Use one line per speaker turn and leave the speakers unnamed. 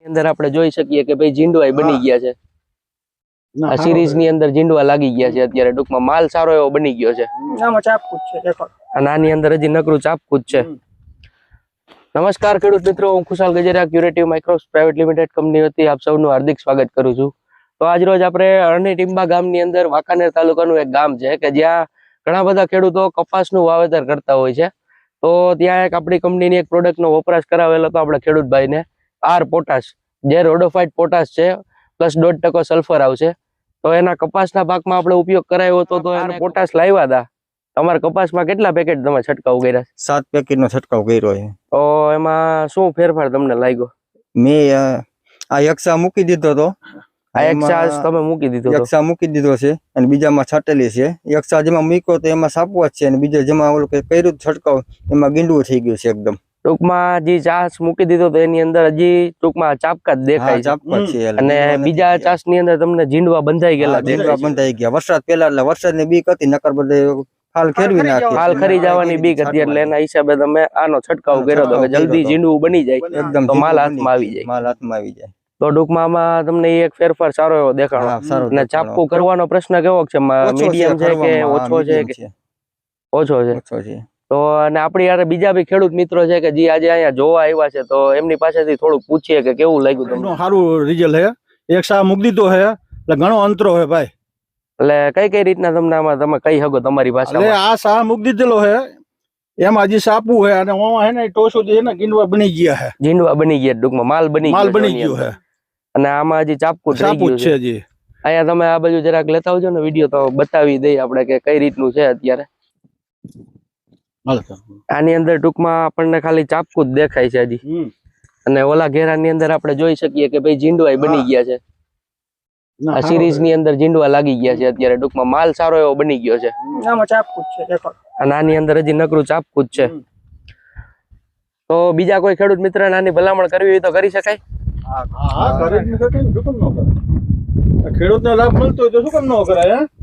અંદર આપણે જોઈ શકીએ કે ભાઈ જીંડવા બની ગયા છે. આ સિરીઝ ની અંદર જીંડવા લાગી ગયા છે અત્યારે. ટૂંકમાં માલ સારો એવો બની ગયો છે.
આમાં ચાપકૂચ છે દેખો.
અને આની અંદર હજી નકરું ચાપકૂચ છે. નમસ્કાર ખેડૂત મિત્રો, હું Khushal Gajera curative Microps private limited company વતી આપ સૌનું હાર્દિક સ્વાગત કરું છું. તો આજ રોજ આપણે અરણી ટીંબા ગામની અંદર વાંકાનેર તાલુકાનું એક ગામ છે કે જ્યાં ઘણા બધા ખેડૂતો કપાસનું વાવેતર કરતા હોય છે. તો ત્યાં એક આપણી કંપનીની એક પ્રોડક્ટનો વપરાશ કરાવેલો હતો આપણે ખેડૂતભાઈને. આર પોટાશ, જે રોડોફાઇટ પોટાશ છે, પ્લસ 0.5% સલ્ફર આવશે. તો એના કપાસના પાકમાં આપણે ઉપયોગ કરાયો હતો. તો એને પોટાશ લાવ્યા હતા. તમારા કપાસમાં કેટલા પેકેટ તમે છંટકાવ કર્યા?
7 પેકેટનો છંટકાવ કર્યો છે.
તો એમાં શું ફેરફાર તમને લાગ્યો?
મેં આ યક્ષા મૂકી દીધો હતો.
આ યક્ષા તમે મૂકી દીધો?
યક્ષા મૂકી દીધો છે અને બીજામાં છાટેલી છે. યક્ષા જેમાં મૂક્યો તો એમાં સાપવા જ છે અને બીજા જેમાં ઓલું કર્યું છંટકાવ એમાં ગીંડવું થઈ ગયું છે એકદમ.
ટૂંકમાં જે ચાસ મૂકી દીધો તો એની અંદર હજી ટૂંકમાં ચાપકા જ દેખાય છે. અને બીજા ચાસ ની અંદર તમને જીંડવા બંધાઈ ગયેલા?
જીંડવા બંધાઈ ગયા વરસાદ પહેલા, એટલે વરસાદની બીક હતી, નકર બધે હાલ ખેરવી નાખી.
હાલ ખરી જવાની બીક હતી, એટલે એના હિસાબે તમે આનો છંટકાવ કર્યો તો કે જલ્દી જીંડવું બની જાય,
એકદમ
તો માલ હાથમાં આવી જાય.
માલ હાથમાં આવી જાય.
તો ટૂંકમાં આમાં તમને એક ફેરફાર સારો એવો દેખાણો. અને ચાપકું કરવાનો પ્રશ્ન કેવો છે? મીડિયમ છે કે ઓછો છે? ઓછો છે. તો અને આપણી યાર બીજા બી ખેડૂત મિત્રો છે કે જે આજે અહીંયા જોવા આવ્યા છે, તો એમની પાસેથી થોડુંક પૂછીએ કે કેવું લાગ્યું તમને?
સારું રિઝલ્ટ હે. એક સા મૂકી દીધો હે એટલે ઘણો અંતરો હે ભાઈ.
એટલે કઈ રીતના તમને આમાં તમે કહી શકો તમારી ભાષામાં?
આ સા મૂકી દીધેલો હે, એમાં હજી સાપું હે અને ઓમાં હે ને ટોસો જે ને ગીંડવા બની ગયા હે.
જીંડવા બની ગયા, ટૂંકમાં માલ બની
ગયો હે.
અને આમાં હજી ચાપકું
છે હજી.
અહીંયા તમે આ બાજુ જરાક લેતા આવજો ને વિડીયો, તો બતાવી દઈએ આપણે કે કઈ રીતનું છે અત્યારે. આની અંદર ટૂંકમાં આપણને ખાલી ચાપકું જ દેખાય છે હજી. અને ઓલા ઘેરાની અંદર આપણે જોઈ શકીએ કે ભાઈ જીંડવા બની ગયા છે. આ સિરીઝ ની અંદર જીંડવા લાગી ગયા છે અત્યારે. ટૂંકમાં માલ સારો એવો બની ગયો છે.
આમાં ચાપકૂચ છે દેખો.
અને આની અંદર હજી નકરું ચાપકું જ છે. તો બીજા કોઈ ખેડૂત મિત્ર આની ભલામણ કરવી હોય તો કરી શકાય?
ખેડૂત ને લાભ મળતો હોય તો શું કામ ન કરાય?